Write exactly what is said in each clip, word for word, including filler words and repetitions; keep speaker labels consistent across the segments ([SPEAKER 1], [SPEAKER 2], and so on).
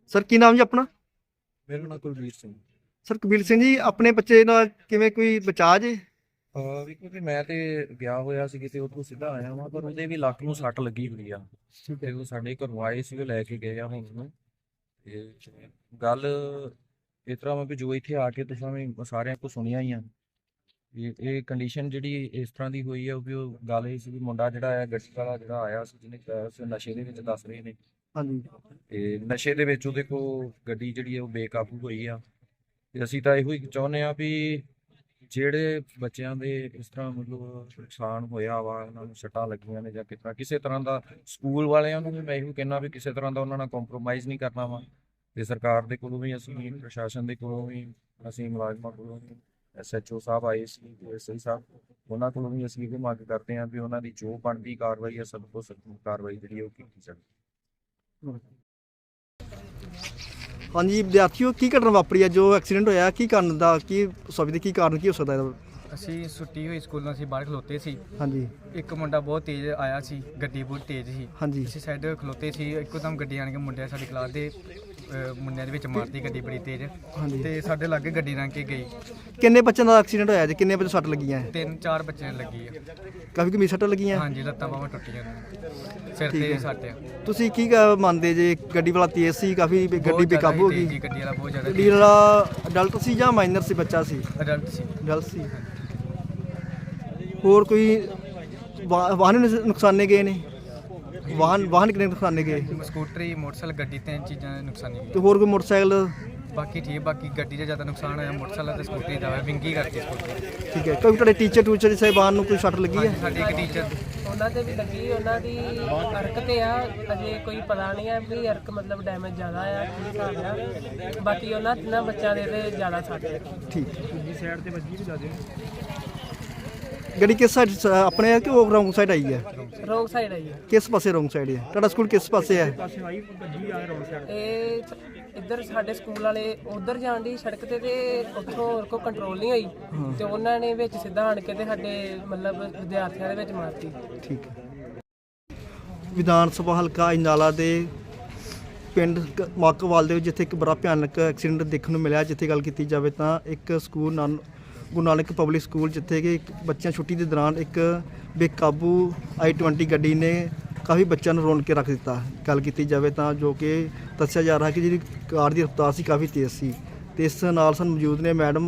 [SPEAKER 1] Sir ਕੀ ਨਾਮ ਜੀ ਆਪਣਾ?
[SPEAKER 2] ਮੇਰਾ ਨਾਮ ਕੁਲਬੀਰ ਸਿੰਘ।
[SPEAKER 1] ਸਰ ਕੁਲਬੀਰ ਸਿੰਘ ਜੀ, ਆਪਣੇ ਬੱਚੇ ਨਾਲ ਕਿਵੇਂ ਕੋਈ ਬਚਾਅ ਜੇ?
[SPEAKER 2] ਹਾਂ ਵੀ ਕਿਉਂਕਿ ਮੈਂ ਤੇ ਗਿਆ ਹੋਇਆ ਸੀ ਕਿਤੇ, ਉੱਥੋਂ ਸਿੱਧਾ ਆਇਆ ਵਾਂ, ਪਰ ਉਹਦੇ ਵੀ ਲੱਕ ਨੂੰ ਸੱਟ ਲੱਗੀ ਹੋਈ ਆ। ਤੇ ਉਹ ਸਾਡੇ ਘਰੋਂ ਆਏ ਸੀ, ਉਹ ਲੈ ਕੇ ਗਏ ਆ ਹੁਣ ਉਹਨੂੰ। ਤੇ ਗੱਲ ਇਸ ਤਰ੍ਹਾਂ ਵਾ ਵੀ ਜੋ ਇੱਥੇ ਆ ਕੇ ਤੁਸੀਂ ਵੀ ਸਾਰਿਆਂ ਕੋਲ ਸੁਣੀਆਂ ਹੀ ਆ। ਇਹ ਇਹ ਕੰਡੀਸ਼ਨ ਜਿਹੜੀ ਇਸ ਤਰ੍ਹਾਂ ਦੀ ਹੋਈ ਆ, ਵੀ ਉਹ ਗੱਲ ਇਹ ਸੀ ਵੀ ਮੁੰਡਾ ਜਿਹੜਾ ਆ ਗੱਡੀ ਵਾਲਾ ਜਿਹੜਾ ਆਇਆ ਸੀ, ਜਿਹਨੇ ਕਿਹਾ ਸੀ ਨਸ਼ੇ ਦੇ ਵਿੱਚ ਦੱਸ ਰਹੇ ਨੇ।
[SPEAKER 1] ਹਾਂਜੀ।
[SPEAKER 2] ਤੇ ਨਸ਼ੇ ਦੇ ਵਿੱਚ ਉਹਦੇ ਕੋਲ ਗੱਡੀ ਜਿਹੜੀ ਆ ਉਹ ਬੇਕਾਬੂ ਹੋਈ ਆ। ਤੇ ਅਸੀਂ ਤਾਂ ਇਹੋ ਹੀ ਚਾਹੁੰਦੇ ਆ ਵੀ ਜਿਹੜੇ ਬੱਚਿਆਂ ਦੇ ਇਸ ਤਰ੍ਹਾਂ ਮਤਲਬ ਨੁਕਸਾਨ ਹੋਇਆ ਵਾ, ਉਹਨਾਂ ਨੂੰ ਸੱਟਾਂ ਲੱਗੀਆਂ ਨੇ ਜਾਂ ਕਿਸ ਤਰ੍ਹਾਂ ਕਿਸੇ ਤਰ੍ਹਾਂ ਦਾ, ਸਕੂਲ ਵਾਲਿਆਂ ਨੂੰ ਵੀ ਮੈਂ ਇਹੋ ਕਹਿਣਾ ਵੀ ਕਿਸੇ ਤਰ੍ਹਾਂ ਦਾ ਉਹਨਾਂ ਨਾਲ ਕੰਪਰੋਮਾਈਜ਼ ਨਹੀਂ ਕਰਨਾ ਵਾ। ਤੇ ਸਰਕਾਰ ਦੇ ਕੋਲੋਂ ਵੀ ਅਸੀਂ, ਪ੍ਰਸ਼ਾਸਨ ਦੇ ਕੋਲੋਂ ਵੀ ਅਸੀਂ, ਮੁਲਾਜ਼ਮਾਂ ਕੋਲੋਂ ਵੀ, ਐਸ ਐਚ ਓ ਸਾਹਿਬ ਆਏ ਸੀ, ਐਸ ਆਈ ਸਾਹਿਬ, ਉਹਨਾਂ ਕੋਲੋਂ ਵੀ ਅਸੀਂ ਇਹ ਮੰਗ ਕਰਦੇ ਹਾਂ ਵੀ ਉਹਨਾਂ ਦੀ ਜੋ ਬਣਦੀ ਕਾਰਵਾਈ ਹੈ, ਸਭ ਤੋਂ ਸਖਤ ਕਾਰਵਾਈ ਜਿਹੜੀ ਉਹ ਕੀਤੀ ਜਾਵੇ।
[SPEAKER 1] ਹਾਂਜੀ ਵਿਦਿਆਰਥੀਓ, ਕੀ ਘਟਨਾ ਵਾਪਰੀ ਹੈ? ਜੋ ਐਕਸੀਡੈਂਟ ਹੋਇਆ, ਕੀ ਕਾਰਨ ਦਾ, ਕੀ ਸੋਚਦੇ ਕੀ ਕਾਰਨ ਕੀ ਹੋ ਸਕਦਾ ਇਹਦਾ?
[SPEAKER 3] ਅਸੀਂ ਛੁੱਟੀ ਹੋਈ ਸਕੂਲੋਂ, ਅਸੀਂ ਬਾਹਰ ਖਲੋਤੇ ਸੀ।
[SPEAKER 1] ਹਾਂਜੀ।
[SPEAKER 3] ਇੱਕ ਮੁੰਡਾ ਬਹੁਤ ਤੇਜ਼ ਆਇਆ ਸੀ, ਗੱਡੀ ਬਹੁਤ ਤੇਜ਼ ਸੀ।
[SPEAKER 1] ਹਾਂਜੀ।
[SPEAKER 3] ਅਸੀਂ ਸਾਈਡ ਖਲੋਤੇ ਸੀ, ਇੱਕੋਦਮ ਗੱਡੀ ਆਣ ਕੇ ਮੁੰਡਿਆਂ ਸਾਡੀ ਕਲਾਸ ਦੇ ਅਹ, ਮੁੰਡਿਆਂ ਦੇ ਵਿੱਚ ਮਾਰਤੀ ਗੱਡੀ ਬੜੀ ਤੇਜ਼।
[SPEAKER 1] ਹਾਂਜੀ।
[SPEAKER 3] ਤੇ ਸਾਡੇ ਲਾਗੇ ਗੱਡੀ ਲੰਘ ਕੇ ਗਈ।
[SPEAKER 1] ਕਿੰਨੇ ਬੱਚਿਆਂ ਦਾ ਐਕਸੀਡੈਂਟ ਹੋਇਆ ਜੀ? ਕਿੰਨੇ ਬੱਚੇ ਸੱਟ ਲੱਗੀਆਂ ਹੈ?
[SPEAKER 3] ਤਿੰਨ ਚਾਰ ਬੱਚਿਆਂ ਨੂੰ ਲੱਗੀ ਆ।
[SPEAKER 1] ਕਾਫੀ ਗੰਭੀਰ ਸੱਟਾਂ ਲੱਗੀਆਂ?
[SPEAKER 3] ਹਾਂਜੀ, ਲੱਤਾਂ ਬਾਹਾਂ ਟੁੱਟੀਆਂ, ਸਿਰ
[SPEAKER 1] ਠੀਕ
[SPEAKER 3] ਤੇ
[SPEAKER 1] ਹੈ।
[SPEAKER 3] ਸੱਟ ਆ।
[SPEAKER 1] ਤੁਸੀਂ ਕੀ ਕ- ਮੰਨਦੇ ਜੇ? ਗੱਡੀ ਵਾਲਾ ਤੇਜ਼ ਸੀ ਕਾਫੀ, ਗੱਡੀ
[SPEAKER 3] ਬਹੁਤ ਜ਼ਿਆਦਾ
[SPEAKER 1] ਬੇਕਾਬੂ ਹੋ
[SPEAKER 3] ਤੇਜ਼
[SPEAKER 1] ਗਈ?
[SPEAKER 3] ਸੀ, ਗੱਡੀ ਵਾਲਾ ਬਹੁਤ ਜ਼ਿਆਦਾ
[SPEAKER 1] ਗੱਡੀ ਵਾਲਾ ਅਡਲਟ ਸੀ ਜਾਂ ਮਾਈਨਰ ਸੀ, ਬੱਚਾ ਸੀ?
[SPEAKER 3] ਅਡਲਟ ਸੀ।
[SPEAKER 1] ਅਡਲਟ ਸੀ। ਹੋਰ ਕੋਈ ਵਾ- ਵਾਹਨ ਨੁ- ਨੁਕਸਾਨੇ ਗਏ ਨੇ? ਵਾਹਨ ਵਾਹਨ ਕਿੰਨੇ ਨੁਕਸਾਨੇ ਗਏ?
[SPEAKER 3] ਸਕੂਟਰੀ, ਮੋਟਰਸਾਈਕਲ, ਗੱਡੀ, ਤਿੰਨ ਚੀਜ਼ਾਂ ਨੁਕਸਾਨੀ
[SPEAKER 1] ਤੇ
[SPEAKER 3] ਗਈ।
[SPEAKER 1] ਹੋਰ ਕੋਈ ਮੋਟਰਸਾਈਕਲ?
[SPEAKER 3] ਬਾਕੀ ਠੀਕ, ਬਾਕੀ ਗੱਡੀ ਦਾ ਜ਼ਿਆਦਾ ਨੁਕਸਾਨ ਹੋਇਆ, ਮੋਟਰਸਾਈਕਲ ਤੇ ਸਕੂਟਰੀ ਦਾ ਹੋਇਆ, ਵਿੰਗੀ ਕਰਤੀ ਸਕੂਟਰੀ।
[SPEAKER 1] ਠੀਕ ਹੈ। ਕੋਈ ਤੁਹਾਡੇ ਟੀਚਰ ਟੂਚਰ ਸਾਹਿਬਾਨ ਨੂੰ ਕੋਈ ਸੱਟ ਲੱਗੀ ਹੈ?
[SPEAKER 3] ਸਾਡੀ ਇੱਕ ਟੀਚਰ
[SPEAKER 4] ਉਹਨਾਂ ਦੇ ਵੀ ਲੱਗੀ, ਉਹਨਾਂ ਦੀ ਅਰਕ ਤੇ ਆ, ਅਜੇ ਕੋਈ ਪਤਾ ਨਹੀਂ ਆ ਵੀ ਅਰਕ ਮਤਲਬ ਡੈਮੇਜ ਜ਼ਿਆਦਾ ਆ ਕੀ ਹਿਸਾਬ ਆ। ਬਾਕੀ ਉਹਨਾਂ ਤਿੰਨਾਂ ਬੱਚਿਆਂ ਦੇ ਤੇ ਜ਼ਿਆਦਾ ਸੱਟ ਲੱਗੀ।
[SPEAKER 1] ਠੀਕ। ਦੂਜੀ ਸਾਈਡ ਤੇ ਵੱਜੀ ਵੀ ਜ਼ਿਆਦਾ। ਗੱਡੀ ਕਿਸ ਸਾਈਡ ਆਪਣੇ ਹੈ ਕਿ ਉਹ ਰੋਂਗ ਸਾਈਡ ਆਈ ਹੈ?
[SPEAKER 4] ਰੋਂਗ ਸਾਈਡ ਆਈ ਆ।
[SPEAKER 1] ਕਿਸ ਪਾਸੇ ਰੋਂਗ ਸਾਈਡ ਹੈ? ਤੁਹਾਡਾ ਸਕੂਲ ਕਿਸ ਪਾਸੇ ਹੈ?
[SPEAKER 4] ਇਹ ਇੱਧਰ ਸਾਡੇ ਸਕੂਲ ਵਾਲੇ ਉਧਰ ਜਾਣ ਦੀ ਸੜਕ ਤੇ, ਤੇ ਉੱਥੋਂ ਹੋਰ ਕੋ ਕੰਟਰੋਲ ਨਹੀਂ ਹੋਈ ਤੇ ਉਹਨਾਂ ਨੇ ਵਿੱਚ ਸਿੱਧਾ ਆਣ ਕੇ ਤੇ ਸਾਡੇ ਮਤਲਬ ਵਿਦਿਆਰਥੀਆਂ ਦੇ ਵਿੱਚ ਮਾਰਤੀ।
[SPEAKER 1] ਠੀਕ ਹੈ। ਵਿਧਾਨ ਸਭਾ ਹਲਕਾ ਅਜਨਾਲਾ ਦੇ ਪਿੰਡ ਕ- ਮਾਕੋਵਾਲ ਦੇ ਵਿੱਚ ਜਿੱਥੇ ਇੱਕ ਬੜਾ ਭਿਆਨਕ ਐਕਸੀਡੈਂਟ ਦੇਖਣ ਨੂੰ ਮਿਲਿਆ, ਜਿੱਥੇ ਗੱਲ ਕੀਤੀ ਜਾਵੇ ਤਾਂ ਇੱਕ ਸਕੂਲ ਨਾਨ ਗੁਰੂ ਨਾਨਕ ਪਬਲਿਕ ਸਕੂਲ, ਜਿੱਥੇ ਕਿ ਇੱਕ ਬੱਚਿਆਂ ਛੁੱਟੀ ਦੇ ਦੌਰਾਨ ਇੱਕ ਬੇਕਾਬੂ ਆਈ ਟਵੰਟੀ ਗੱਡੀ ਨੇ ਕਾਫੀ ਬੱਚਿਆਂ ਨੂੰ ਰੋਣ ਕੇ ਰੱਖ ਦਿੱਤਾ। ਗੱਲ ਕੀਤੀ ਜਾਵੇ ਤਾਂ ਜੋ ਕਿ ਦੱਸਿਆ ਜਾ ਰਿਹਾ ਕਿ ਜਿਹੜੀ ਕਾਰ ਦੀ ਰਫ਼ਤਾਰ ਸੀ ਕਾਫੀ ਤੇਜ਼ ਸੀ। ਤੇ ਇਸ ਨਾਲ ਸਾਨੂੰ ਮੌਜੂਦ ਨੇ ਮੈਡਮ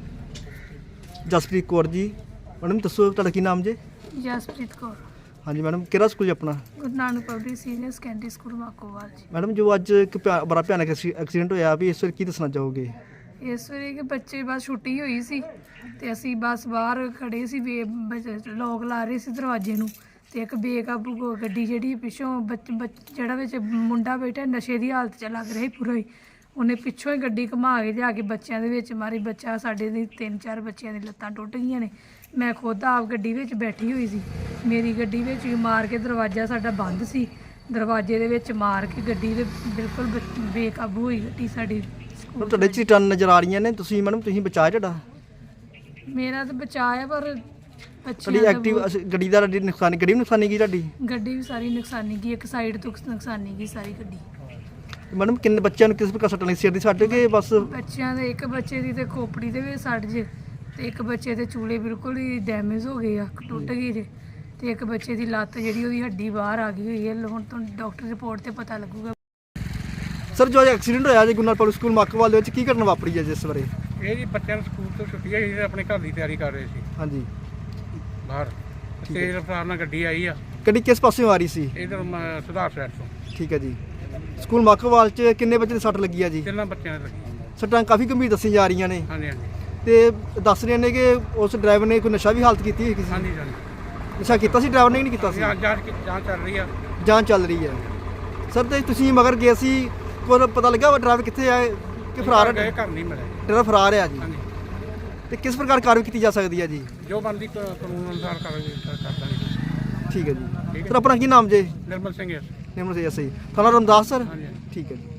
[SPEAKER 1] ਜਸਪ੍ਰੀਤ ਕੌਰ ਜੀ। ਮੈਡਮ ਦੱਸੋ ਤੁਹਾਡਾ ਕੀ ਨਾਮ ਜੀ?
[SPEAKER 5] ਜਸਪ੍ਰੀਤ ਕੌਰ,
[SPEAKER 1] ਹਾਂਜੀ ਮੈਡਮ, ਕਿਹੜਾ ਸਕੂਲ ਜੀ ਆਪਣਾ?
[SPEAKER 5] Guru Nanak public senior secondary school Makowal ji.
[SPEAKER 1] Madam ਜੋ ਅੱਜ ਇੱਕ ਭਿਆ- ਬੜਾ ਭਿਆਨਕ ਐਕਸੀ- ਐਕਸੀਡੈਂਟ ਹੋਇਆ, ਵੀ ਇਸ ਵੇਲੇ ਕੀ ਦੱਸਣਾ ਚਾਹੋਗੇ?
[SPEAKER 5] ਇਸ ਵੇਲੇ ਕਿ ਬੱਚੇ ਬਸ ਛੁੱਟੀ ਹੋਈ ਸੀ ਤੇ ਅਸੀਂ ਬਸ ਬਾਹਰ ਖੜੇ ਸੀ, ਵੀ ਲੋਕ ਲਾ ਰਹੇ ਸੀ ਦਰਵਾਜ਼ੇ ਨੂੰ, ਤੇ ਇੱਕ ਬੇਕਾਬੂ ਗੋ- ਗੱਡੀ ਜਿਹੜੀ ਪਿੱਛੋਂ ਬੱਚ ਬੱਚ- ਜਿਹੜਾ ਵਿੱਚ ਮੁੰਡਾ ਬੈਠਾ ਨਸ਼ੇ ਦੀ ਹਾਲਤ 'ਚ ਲੱਗ ਰਿਹਾ ਸੀ ਪੂਰਾ ਹੀ, ਉਹਨੇ ਪਿੱਛੋਂ ਹੀ ਗੱਡੀ ਘੁਮਾ ਕੇ ਲਿਆ ਕੇ ਬੱਚਿਆਂ ਦੇ ਵਿੱਚ ਮਾਰੀ। ਬੱਚਾ ਸਾਡੇ ਦੇ ਤਿੰਨ ਚਾਰ ਬੱਚਿਆਂ ਦੀ ਲੱਤਾਂ ਟੁੱਟ ਗਈਆਂ ਨੇ। ਮੈਂ ਖੁਦ ਆਪ ਗੱਡੀ ਵਿੱਚ ਬੈਠੀ ਹੋਈ ਸੀ, ਮੇਰੀ ਗੱਡੀ ਵਿੱਚ ਹੀ ਮਾਰ ਕੇ, ਦਰਵਾਜ਼ਾ ਸਾਡਾ ਬੰਦ ਸੀ, ਦਰਵਾਜ਼ੇ ਦੇ ਵਿੱਚ ਮਾਰ ਕੇ ਗੱਡੀ ਦੇ ਬਿਲਕੁਲ ਬ- ਬੇਕਾਬੂ ਹੋਈ ਗੱਡੀ ਸਾਡੀ।
[SPEAKER 1] ਮੈਡਮ ਤੁਹਾਡੇ ਚ ਟਨ ਨਜ਼ਰ ਆ ਰਹੀਆਂ ਨੇ, ਤੁਸੀਂ ਮੈਡਮ ਤੁਸੀਂ ਬਚਾਇਆ ਤੁਹਾਡਾ?
[SPEAKER 5] ਮੇਰਾ ਤਾਂ ਬਚਾਅ ਹੈ, ਪਰ
[SPEAKER 1] ਤੁਹਾਡੀ
[SPEAKER 5] ਬੱਚਿਆਂ ਦਾ
[SPEAKER 1] ਐਕਟਿਵ
[SPEAKER 5] ਬਹੁਤ-
[SPEAKER 1] ਗੱਡੀ ਦਾ ਤੁਹਾਡੀ ਨੁਕਸਾਨ, ਗੱਡੀ ਵੀ ਨੁਕਸਾਨੀ ਗਈ ਤੁਹਾਡੀ?
[SPEAKER 5] ਗੱਡੀ ਵੀ ਸਾਰੀ ਨੁਕਸਾਨੀ ਗਈ, ਇੱਕ ਸਾਈਡ ਤੋਂ ਨੁਕਸਾਨੀ ਗਈ ਸਾਰੀ ਗੱਡੀ।
[SPEAKER 1] ਮੈਡਮ ਕਿੰਨੇ ਬੱਚਿਆਂ ਨੂੰ ਕਿਸ ਪ੍ਰਕਾਰ ਸੱਟ ਲੱਗੀ? ਸਿਰ ਦੀ ਸੱਟ ਕਿ ਬਸ?
[SPEAKER 5] ਬੱਚਿਆਂ ਦੇ ਇੱਕ ਬੱਚੇ ਦੀ ਤੇ ਖੋਪੜੀ ਦੇ ਵਿੱਚ ਸੱਟ ਜੇ, ਤੇ ਇੱਕ ਬੱਚੇ ਦੇ ਚੂਲੇ ਬਿਲਕੁਲ ਹੀ ਡੈਮੇਜ ਹੋ ਗਏ ਆ, ਟੁੱਟ ਗਏ ਜੇ, ਤੇ ਇੱਕ ਬੱਚੇ ਦੀ ਲੱਤ ਜਿਹੜੀ ਉਹਦੀ ਹੱਡੀ ਬਾਹਰ ਆ ਗਈ ਹੋਈ ਹੈ। ਹੁਣ ਤੋਂ ਡਾਕਟਰ ਰਿਪੋਰਟ ਤੇ ਪਤਾ ਲੱਗੂਗਾ।
[SPEAKER 1] ਸਰ ਜੋ ਅੱਜ ਐਕਸੀਡੈਂਟ ਹੋਇਆ ਜੀ ਗੁਰੂ ਨਾਨਕ ਪਬਲਿਕ ਸਕੂਲ ਮਾਕੋਵਾਲ ਦੇ ਵਿੱਚ, ਕੀ ਘਟਨਾ ਵਾਪਰੀ ਹੈ ਜਿਸ ਬਾਰੇ?
[SPEAKER 6] ਇਹ ਜੀ ਬੱਚਿਆਂ ਨੂੰ ਸਕੂਲ ਤੋਂ ਛੁੱਟੀ ਹੋਈ ਸੀ, ਆਪਣੇ ਘਰ ਦੀ ਤਿਆਰੀ ਕਰ ਰਹੇ ਸੀ
[SPEAKER 1] ਹਾਂਜੀ।
[SPEAKER 6] ਬਾਹਰ। ਤੇਜ਼ ਰਫ਼ਤਾਰ ਨਾਲ ਗੱਡੀ ਆਈ ਆ,
[SPEAKER 1] ਗੱਡੀ ਕਿਸ ਪਾਸਿਓਂ ਆ ਰਹੀ ਸੀ?
[SPEAKER 6] ਇਧਰ ਸੁਧਾਰ ਸਾਈਡ ਤੋਂ।
[SPEAKER 1] ਠੀਕ ਹੈ ਜੀ। ਸਕੂਲ ਮਾਕੋਵਾਲ ਚ ਕਿੰਨੇ ਬੱਚੇ ਦੀ ਸੱਟ ਲੱਗੀ ਆ ਜੀ?
[SPEAKER 6] ਤਿੰਨਾਂ ਬੱਚਿਆਂ ਨੇ ਲੱਗੀ।
[SPEAKER 1] ਸੱਟਾਂ ਕਾਫੀ ਗੰਭੀਰ ਦੱਸੀ ਜਾ ਰਹੀਆਂ ਨੇ,
[SPEAKER 6] ਹਾਂਜੀ ਹਾਂਜੀ
[SPEAKER 1] ਤੇ ਦੱਸ ਰਹੇ ਨੇ ਕਿ ਉਸ ਡਰਾਈਵਰ ਨੇ ਕੋਈ ਨਸ਼ਾ ਵੀ ਹਾਲਤ ਕੀਤੀ ਹੋਈ ਸੀ।
[SPEAKER 6] ਹਾਂਜੀ ਹਾਂਜੀ
[SPEAKER 1] ਨਸ਼ਾ ਕੀਤਾ ਸੀ ਡਰਾਈਵਰ ਨੇ ਕਿ ਨਹੀਂ ਕੀਤਾ ਸੀ?
[SPEAKER 6] ਜਾਂਚ ਜਾਂਚ ਕੀ- ਜਾਂਚ ਚੱਲ ਰਹੀ ਆ।
[SPEAKER 1] ਜਾਂਚ ਚੱਲ ਰਹੀ ਹੈ। ਸਰ ਤੇ ਤੁਸੀਂ ਮਗਰ ਗਏ ਸੀ, ਕੋਈ ਪਤਾ ਲੱਗਾ ਵਾ ਡਰਾਈਵਰ ਕਿੱਥੇ ਆ ਕਿ ਫਰਾਰ
[SPEAKER 6] ਗਏ,
[SPEAKER 1] ਹੈ?
[SPEAKER 6] ਘਰ ਨਹੀਂ ਮਿਲੇ।
[SPEAKER 1] ਡਰਾਈਵਰ ਫਰਾਰ ਹੈ ਜੀ।
[SPEAKER 6] ਹਾਂਜੀ,
[SPEAKER 1] ਤੇ ਕਿਸ ਪ੍ਰਕਾਰ ਕਾਰਵਾਈ ਕੀਤੀ ਜਾ ਸਕਦੀ ਹੈ ਜੀ?
[SPEAKER 6] ਜੋ ਬਣਦੀ ਕ- ਕਾਨੂੰਨ ਅਨੁਸਾਰ ਕਰਾਂਗੇ, ਕਰ ਦਾਂਗੇ।
[SPEAKER 1] ਠੀਕ ਹੈ
[SPEAKER 6] ਠੀਕ
[SPEAKER 1] ਜੀ।
[SPEAKER 6] ਹੈ।
[SPEAKER 1] ਸਰ ਆਪਣਾ ਕੀ ਨਾਮ ਜੇ?
[SPEAKER 6] ਨਿਰਮਲ ਸਿੰਘ ਹੈ।
[SPEAKER 1] ਨਿਰਮਲ ਸਿੰਘ ਸਹੀ। ਥਾਣਾ ਰਮਦਾਸ ਸਰ?
[SPEAKER 6] ਹਾਂਜੀ ਹਾਂਜੀ।
[SPEAKER 1] ਠੀਕ ਹੈ ਜੀ।